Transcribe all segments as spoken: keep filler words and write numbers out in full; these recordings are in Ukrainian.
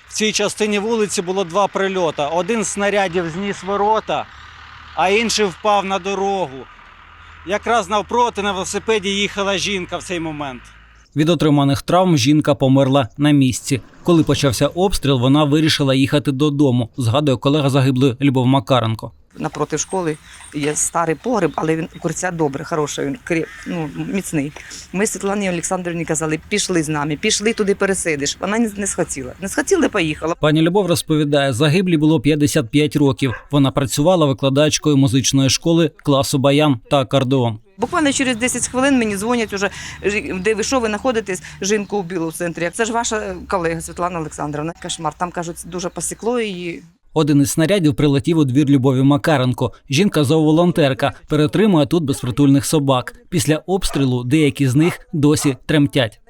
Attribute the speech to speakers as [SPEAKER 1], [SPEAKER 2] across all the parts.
[SPEAKER 1] В цій частині вулиці було два прильоти. Один з снарядів зніс ворота, а інший впав на дорогу. Якраз навпроти на велосипеді їхала жінка в цей момент. Від отриманих травм жінка померла на місці. Коли почався обстріл, вона вирішила їхати додому, згадує колега загиблої Любов Макаренко.
[SPEAKER 2] Напроти школи є старий погреб, але він укриття добре, хороше, він кріп, ну, міцний. Ми Світлані Олександрівні казали, пішли з нами, пішли туди пересидиш. Вона не схотіла. Не схотіла, поїхала.
[SPEAKER 1] Пані Любов розповідає, загиблій було п'ятдесят п'ять років. Вона працювала викладачкою музичної школи класу баян та акордеон.
[SPEAKER 2] Буквально через десять хвилин мені дзвонять уже, де ви що, ви знаходитесь, жінку вбили в центрі. Це ж ваша колега Світлана Олександрівна. Кошмар, там, кажуть, дуже посікло її.
[SPEAKER 1] Один із снарядів прилетів у двір Любові Макаренко. Жінка зооволонтерка, перетримує тут безпритульних собак. Після обстрілу деякі з них досі тремтять.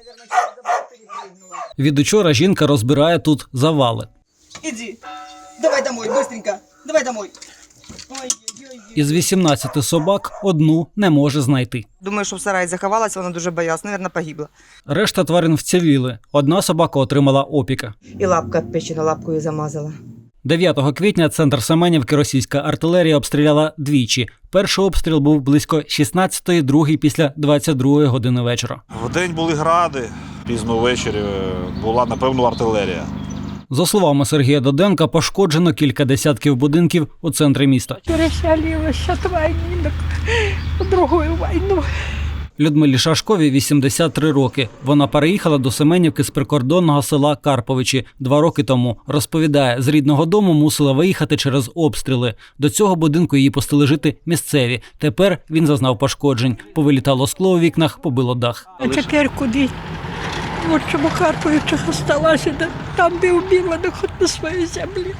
[SPEAKER 1] Від учора жінка розбирає тут завали.
[SPEAKER 3] Іди, давай домой, быстренько, давай домой.
[SPEAKER 1] Із вісімнадцяти собак одну не може знайти.
[SPEAKER 2] Думаю, що в сараї заховалася, вона дуже боялась, мабуть, погибла.
[SPEAKER 1] Решта тварин вціліли. Одна собака отримала опіки.
[SPEAKER 2] І лапка печена лапкою замазала.
[SPEAKER 1] дев'ятого квітня центр Семенівки російська артилерія обстріляла двічі. Перший обстріл був близько шістнадцятої, другий після двадцять другої години вечора.
[SPEAKER 4] Вдень були гради, пізно ввечері була, напевно, артилерія.
[SPEAKER 1] За словами Сергія Доденка, пошкоджено кілька десятків будинків у центрі міста.
[SPEAKER 5] Переселилась от війни на другу війну.
[SPEAKER 1] Людмилі Шашковій вісімдесят три роки. Вона переїхала до Семенівки з прикордонного села Карповичі два роки тому. Розповідає, з рідного дому мусила виїхати через обстріли. До цього будинку її пустили жити місцеві. Тепер він зазнав пошкоджень. Повилітало скло у вікнах, побило дах.
[SPEAKER 5] А тепер куди? От чому Карповичах осталася, там би вбила, не хоч на своїй землі.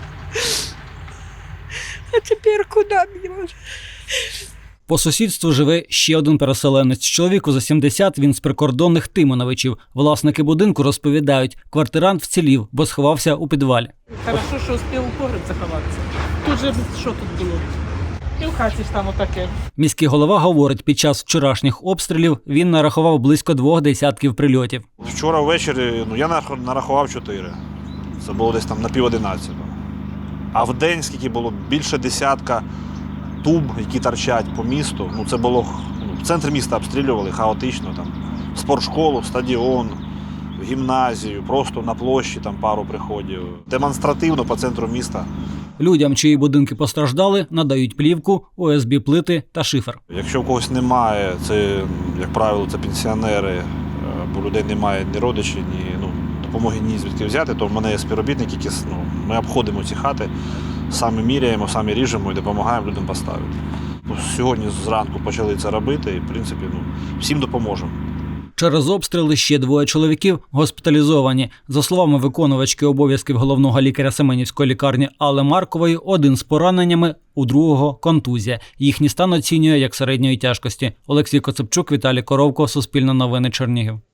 [SPEAKER 5] А тепер куди мені?
[SPEAKER 1] По сусідству живе ще один переселенець. Чоловіку за сімдесят, він з прикордонних Тимоновичів. Власники будинку розповідають, квартирант вцілів, бо сховався у підвалі.
[SPEAKER 6] Хорошо, що успів у погреб заховатися. Тут же що тут було? І в хаті ж там отаке.
[SPEAKER 1] Міський голова говорить, під час вчорашніх обстрілів він нарахував близько двох десятків прильотів.
[SPEAKER 4] Вчора ввечері ну, я нарахував чотири. Це було десь там на пів одинадцятого. А в день, скільки було, більше десятка туб, які торчать по місту. Ну, це було, ну, в центрі міста обстрілювали хаотично. Там, спортшколу, стадіон, гімназію, просто на площі там пару приходів. Демонстративно по центру міста.
[SPEAKER 1] Людям, чиї будинки постраждали, надають плівку, о ес бі плити та шифер.
[SPEAKER 4] Якщо в когось немає, це, як правило, це пенсіонери, бо людей немає ні родичів, ні ну, допомоги ні звідки взяти, то в мене є співробітники, які ну, ми обходимо ці хати, самі міряємо, самі ріжемо і допомагаємо людям поставити. Ну, сьогодні зранку почали це робити і, в принципі, ну, всім допоможемо.
[SPEAKER 1] Через обстріли ще двоє чоловіків госпіталізовані. За словами виконувачки обов'язків головного лікаря Семенівської лікарні Алли Маркової, один з пораненнями, у другого – контузія. Їхній стан оцінює як середньої тяжкості. Олексій Коцепчук, Віталій Коровко, Суспільне новини, Чернігів.